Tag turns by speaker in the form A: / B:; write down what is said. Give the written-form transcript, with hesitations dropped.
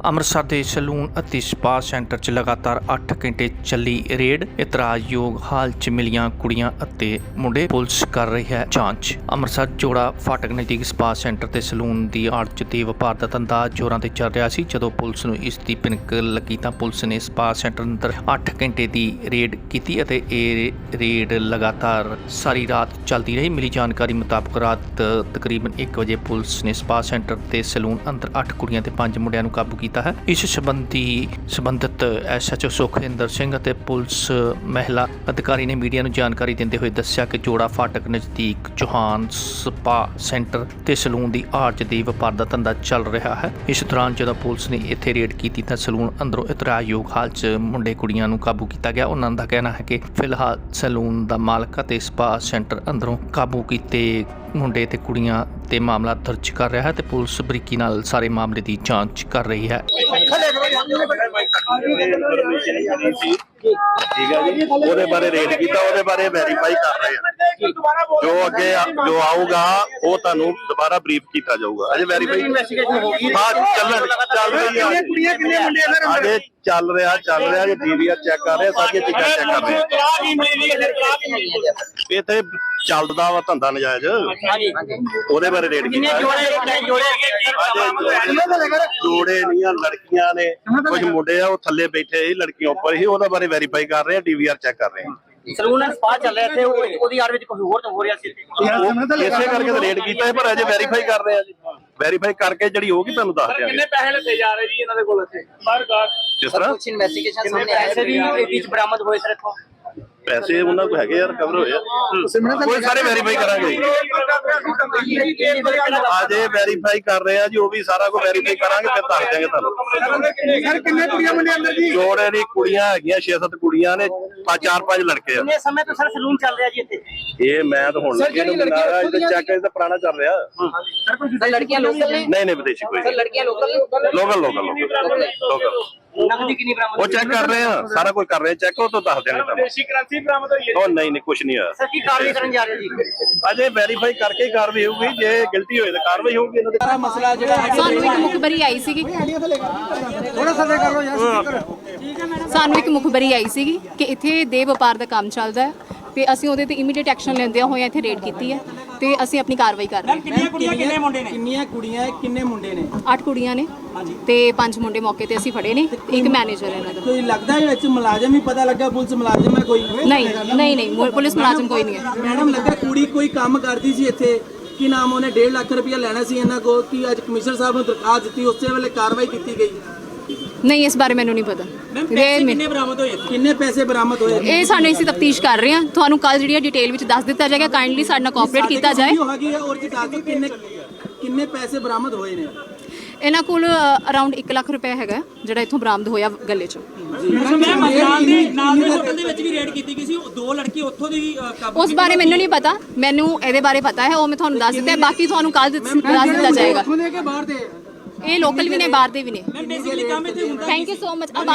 A: ਅੰਮ੍ਰਿਤਸਰ ਦੇ ਸਲੂਨ ਅਤੇ spa centre 'ਚ ਲਗਾਤਾਰ 8 ਘੰਟੇ ਚੱਲੀ ਰੇਡ। ਇਤਰਾਜ਼ਯੋਗ ਹਾਲ 'ਚ ਮਿਲੀਆਂ ਕੁੜੀਆਂ ਅਤੇ ਮੁੰਡੇ, ਪੁਲਿਸ ਕਰ ਰਹੀ ਹੈ ਜਾਂਚ। ਅੰਮ੍ਰਿਤਸਰ ਜੋੜਾ ਫਾਟਕ ਨਜ਼ਦੀਕ ਸਪਾ ਸੈਂਟਰ ਤੇ ਸਲੂਨ ਦੀ ਆੜ 'ਚ ਦੇ ਵਪਾਰ ਦਾ ਧੰਦਾ ਜ਼ੋਰਾਂ ਤੇ ਚੱਲ ਰਿਹਾ ਸੀ। ਜਦੋਂ ਪੁਲਿਸ ਨੂੰ ਇਸ ਦੀ ਭਿਣਕ ਲੱਗੀ ਤਾਂ ਪੁਲਿਸ ਨੇ ਸਪਾ ਸੈਂਟਰ ਅੰਦਰ 8 ਘੰਟੇ ਦੀ ਰੇਡ ਕੀਤੀ ਅਤੇ ਇਹ ਰੇਡ ਲਗਾਤਾਰ ਸਾਰੀ ਰਾਤ ਚੱਲਦੀ ਰਹੀ। ਮਿਲੀ ਜਾਣਕਾਰੀ ਮੁਤਾਬਕ ਰਾਤ ਤਕਰੀਬਨ 1 ਵਜੇ ਪੁਲਿਸ ਨੇ ਸਪਾ ਸੈਂਟਰ ਤੇ ਸਲੂਨ ਅੰਦਰ 8 ਕੁੜੀਆਂ ਤੇ 5 ਮੁੰਡਿਆਂ ਨੂੰ ਕਾਬੂ ਕੀਤਾ ਹੈ। ਇਸ ਸੰਬੰਧਿਤ SHO ਸੁਖਿੰਦਰ ਸਿੰਘ ਅਤੇ ਪੁਲਿਸ ਮਹਿਲਾ ਅਧਿਕਾਰੀ ਨੇ ਮੀਡੀਆ ਨੂੰ ਜਾਣਕਾਰੀ ਦਿੰਦੇ ਹੋਏ ਦੱਸਿਆ ਕਿ ਜੋੜਾ ਫਾਟਕ ਨਜ਼ਦੀਕ ਚੌਹਾਨ ਸਪਾ ਸੈਂਟਰ ਤੇ ਸਲੂਨ ਦੀ ਆੜ 'ਚ ਦੇ ਵਪਾਰ ਦਾ ਧੰਦਾ ਚੱਲ ਰਿਹਾ ਹੈ। ਇਸ ਦੌਰਾਨ ਜਦੋਂ ਪੁਲਿਸ ਨੇ ਇੱਥੇ ਰੇਡ ਕੀਤੀ ਤਾਂ ਸਲੂਨ ਅੰਦਰੋਂ ਇਤਰਾਜ਼ਯੋਗ ਹਾਲ 'ਚ ਮੁੰਡੇ ਕੁੜੀਆਂ ਨੂੰ ਕਾਬੂ ਕੀਤਾ ਗਿਆ। ਉਹਨਾਂ ਦਾ ਕਹਿਣਾ ਹੈ ਕਿ ਫਿਲਹਾਲ ਸਲੂਨ ਦਾ ਮਾਲਕ ਅਤੇ ਸਪਾ ਸੈਂਟਰ ਅੰਦਰੋਂ ਕਾਬੂ ਕੀਤੇ ਮੁੰਡੇ ਤੇ ਕੁੜੀਆਂ ਤੇ ਮਾਮਲਾ ਦਰਜ ਕਰ ਰਿਹਾ ਹੈ ਤੇ ਪੁਲਿਸ ਬਰੀਕੀ ਨਾਲ ਸਾਰੇ ਮਾਮਲੇ ਦੀ ਜਾਂਚ ਕਰ ਰਹੀ ਹੈ।
B: ठीक है जी, ਉਹਦੇ ਬਾਰੇ ਰੇਡ ਕੀਤਾ, ਉਹਦੇ ਬਾਰੇ ਵੈਰੀਫਾਈ ਕਰ ਰਹੇ ਆ। ਜੋ ਅੱਗੇ ਜੋ ਆਊਗਾ ਉਹ ਤੁਹਾਨੂੰ ਦੁਬਾਰਾ ਬਰੀਫ ਕੀਤਾ ਜਾਊਗਾ। ਅਜੇ ਵੈਰੀਫਾਈ ਹਾਂ ਚੱਲ ਰਹੀ ਹੈ। ਅਜੇ ਚੱਲ ਰਿਹਾ ਜੇ DVR ਚੈੱਕ ਕਰ ਰਹੇ, ਸਾਰੀਆਂ ਚੀਜ਼ਾਂ ਚੈੱਕ ਕਰ ਰਹੇ। ਇੱਥੇ ਚੱਲਦਾ ਵਾ ਧੰਦਾ ਨਜਾਇਜ਼, ਉਹਦੇ ਬਾਰੇ ਰੇਡ ਕੀਤਾ। ਜੋੜੇ ਨਹੀਂ ਆ, ਲੜਕੀਆਂ ਨੇ, ਕੁਝ ਮੁੰਡੇ ਆ ਉਹ ਥੱਲੇ ਬੈਠੇ ਸੀ, ਲੜਕੀਆਂ ਉੱਪਰ ਹੀ। ਉਹਦੇ ਬਾਰੇ ਵੈਰੀਫਾਈ ਕਰ ਰਹੇ ਆ, DVR ਚੈੱਕ ਕਰ ਰਹੇ ਆ।
C: ਸਲੂਨ ਐਂਡ ਸਪਾ ਚੱਲ ਰਿਹਾ थे ਉਹਦੀ ਆੜ ਵਿੱਚ ਕੁਝ ਹੋਰ ਤਾਂ ਹੋ ਰਿਹਾ ਸੀ।
B: ਇਸੇ ਕਰਕੇ ਤਾਂ ਰੇਡ ਕੀਤਾ ਹੈ, ਪਰ ਅਜੇ ਵੈਰੀਫਾਈ ਕਰ ਰਹੇ ਆ ਜੀ। ਵੈਰੀਫਾਈ ਕਰਕੇ ਜਿਹੜੀ ਹੋਗੀ ਤੁਹਾਨੂੰ ਦੱਸ ਦਿਆਂਗੇ।
C: ਕਿੰਨੇ ਪੈਸੇ ਲੱਗੇ ਜਾ ਰਹੇ ਜੀ ਇਹਨਾਂ ਦੇ ਕੋਲ ਇੱਥੇ ਬਾਹਰ
B: ਜਿਸ ਤਰ੍ਹਾਂ
C: ਕੁਝ ਇਨਵੈਸਟੀਗੇਸ਼ਨ ਸਾਹਮਣੇ ਆਇਆ ਸੀ ਵੀ ਇਹ ਵਿੱਚ ਬਰਾਮਦ ਹੋਏ ਸਰ ਇੱਥੋਂ
B: ਪੈਸੇ ਉਹਨਾਂ ਕੋਲ ਹੈਗੇ ਯਾਰ, ਕਵਰ ਹੋਏ ਆ। ਕੋਈ ਸਾਰੇ ਵੈਰੀਫਾਈ ਕਰਾਂਗੇ, ਅਜੇ ਵੈਰੀਫਾਈ ਕਰ ਰਹੇ ਆ ਜੀ। ਉਹ ਵੀ ਸਾਰਾ ਕੁਝ ਵੈਰੀਫਾਈ ਕਰਾਂਗੇ, ਫਿਰ ਦੱਸ ਦਿਆਂਗੇ ਤੁਹਾਨੂੰ।
D: ਸਰ ਕਿੰਨੇ ਕੁੜੀਆਂ ਮੁੰਡੇ ਅੰਦਰ ਜੀ?
B: ਜੋੜੇ ਦੀ ਕੁੜੀਆਂ ਹੈਗੀਆਂ 6-7 ਕੁੜੀਆਂ ਨੇ, 4-5 ਲੜਕੇ ਆ।
C: ਕਿੰਨੇ ਸਮੇਂ ਤੋਂ ਸਰ ਸਲੂਨ ਚੱਲ ਰਿਹਾ ਜੀ ਇੱਥੇ?
B: ਇਹ ਮੈਂ ਤਾਂ ਹੁਣ ਲੱਗੇ ਨੂੰ ਮਿਲਾਇਆ, ਇਹਦਾ ਚੈੱਕ ਇਹਦਾ ਪੁਰਾਣਾ ਚੱਲ ਰਿਹਾ।
C: ਸਰ ਲੜਕੀਆਂ ਲੋਕਲ ਨੇ?
B: ਨਹੀਂ ਵਿਦੇਸ਼ੀ ਕੋਈ।
C: ਸਰ ਲੜਕੀਆਂ ਲੋਕਲ ਨਕਦੀ ਕਿੰਨੀ ਬਰਾਮਦ?
B: ਉਹ ਚੈੱਕ ਕਰ ਰਹੇ ਆ, ਸਾਰਾ ਕੁਝ ਕਰ ਰਹੇ ਚੈੱਕ। ਉਹ ਤੋਂ ਦੱਸ ਦਿਆਂਗੇ ਤੁਹਾਨੂੰ।
C: ਵਿਦੇਸ਼ੀ ਕਰੰਸੀ ਬਰਾਮਦ ਹੋਈ ਹੈ?
B: ਉਹ ਨਹੀਂ ਕੁਝ ਨਹੀਂ ਹੋਇਆ।
C: ਸਰ ਕੀ ਕਾਰਵਾਈ ਕਰਨ ਜਾ ਰਹੇ ਜੀ?
B: ਅਜੇ ਵੈਰੀਫਾਈ ਕਰਕੇ ਹੀ ਕਾਰਵਾਈ ਹੋਊਗੀ। ਜੇ ਗਲਤੀ ਹੋਏ ਤਾਂ ਕਾਰਵਾਈ ਹੋਊਗੀ। ਇਹਨਾਂ ਦੇ
D: ਮਸਲਾ ਜਿਹੜਾ
E: ਸਾਨੂੰ ਇੱਕ ਮੁਖਬਰੀ ਆਈ ਸੀਗੀ,
D: ਥੋੜਾ ਸਾ ਕਰ ਲਓ ਯਾਰ।
E: ਸਾਨੂੰ ਇੱਕ ਮੁਖਬਰੀ ਆਈ ਸੀਗੀ ਕਿ ਇੱਥੇ ਦੇ ਵਪਾਰ ਦਾ ਕੰਮ ਚੱਲਦਾ ਹੈ ਤੇ ਅਸੀਂ ਉਹਦੇ ਤੇ ਇਮੀਡੀਏਟ ਐਕਸ਼ਨ ਲੈਂਦਿਆਂ ਹੋਇਆ ਇੱਥੇ ਰੇਡ ਕੀਤੀ ਹੈ ਤੇ ਅਸੀਂ ਆਪਣੀ ਕਾਰਵਾਈ ਕਰ ਰਹੇ ਹਾਂ।
D: ਕਿੰਨੀਆਂ ਕੁੜੀਆਂ ਕਿੰਨੇ ਮੁੰਡੇ ਨੇ? ਕਿੰਨੀਆਂ ਕੁੜੀਆਂ ਕਿੰਨੇ ਮੁੰਡੇ ਨੇ?
E: 8 ਕੁੜੀਆਂ ਨੇ ਤੇ 5 ਮੁੰਡੇ ਮੌਕੇ ਤੇ ਅਸੀਂ ਫੜੇ ਨੇ। ਇੱਕ ਮੈਨੇਜਰ ਹੈ ਇਹਨਾਂ ਦਾ।
D: ਕੋਈ ਲੱਗਦਾ ਹੈ ਵਿੱਚ ਮੁਲਾਜ਼ਮ ਹੀ ਪਤਾ ਲੱਗਾ ਪੁਲਿਸ ਮੁਲਾਜ਼ਮ ਹੈ ਕੋਈ?
E: ਨਹੀਂ ਪੁਲਿਸ ਮੁਲਾਜ਼ਮ ਕੋਈ ਨਹੀਂ ਹੈ।
D: ਮੈਡਮ ਲੱਗਾ ਕੁੜੀ ਕੋਈ ਕੰਮ ਕਰਦੀ ਸੀ ਇੱਥੇ, ਕੀ ਨਾਮ ਉਹਨੇ 1.5 ਲੱਖ ਰੁਪਇਆ ਲੈਣਾ ਸੀ ਇਹਨਾਂ ਕੋਲ, ਕਿ ਅੱਜ ਕਮਿਸ਼ਨਰ ਸਾਹਿਬ ਨੂੰ ਦਰਖਾਸਤ ਦਿੱਤੀ, ਉਸੇ ਵੇਲੇ ਕਾਰਵਾਈ ਕੀਤੀ ਗਈ?
E: ਨਹੀਂ ਇਸ ਬਾਰੇ ਮੈਨੂੰ ਨਹੀਂ ਪਤਾ।
D: ਕਿੰਨੇ ਪੈਸੇ ਬਰਾਮਦ ਹੋਏ?
E: ਇਹ ਸਾਨੂੰ ਅਸੀਂ ਤਫਤੀਸ਼ ਕਰ ਰਹੇ ਹਾਂ, ਤੁਹਾਨੂੰ ਕੱਲ ਜਿਹੜੀ ਡਿਟੇਲ ਵਿੱਚ ਦੱਸ ਦਿੱਤਾ ਜਾਏਗਾ। ਕਾਈਂਡਲੀ ਸਾਡੇ ਨਾਲ ਕੋਆਪਰੇਟ ਕੀਤਾ ਜਾਏ।
D: ਕਿੰਨੇ ਪੈਸੇ ਬਰਾਮਦ ਹੋਏ ਨੇ?
E: ਇਹਨਾਂ ਕੋਲ ਅਰਾਊਂਡ 1 ਲੱਖ ਰੁਪਏ ਹੈਗਾ ਜਿਹੜਾ ਇੱਥੋਂ ਬਰਾਮਦ ਹੋਇਆ ਗੱਲੇ 'ਚੋਂ। ਉਸ ਬਾਰੇ ਮੈਨੂੰ ਨਹੀਂ ਪਤਾ, ਮੈਨੂੰ ਇਹਦੇ ਬਾਰੇ ਪਤਾ ਹੈ, ਉਹ ਮੈਂ ਤੁਹਾਨੂੰ ਦੱਸ ਦਿੱਤਾ। ਬਾਕੀ ਤੁਹਾਨੂੰ ਕੱਲ ਦੱਸ ਦਿੱਤਾ ਜਾਏਗਾ। ਇਹ ਲੋਕਲ ਵੀ ਨੇ, ਬਾਹਰ ਦੇ ਵੀ ਨੇ। Thank you so much.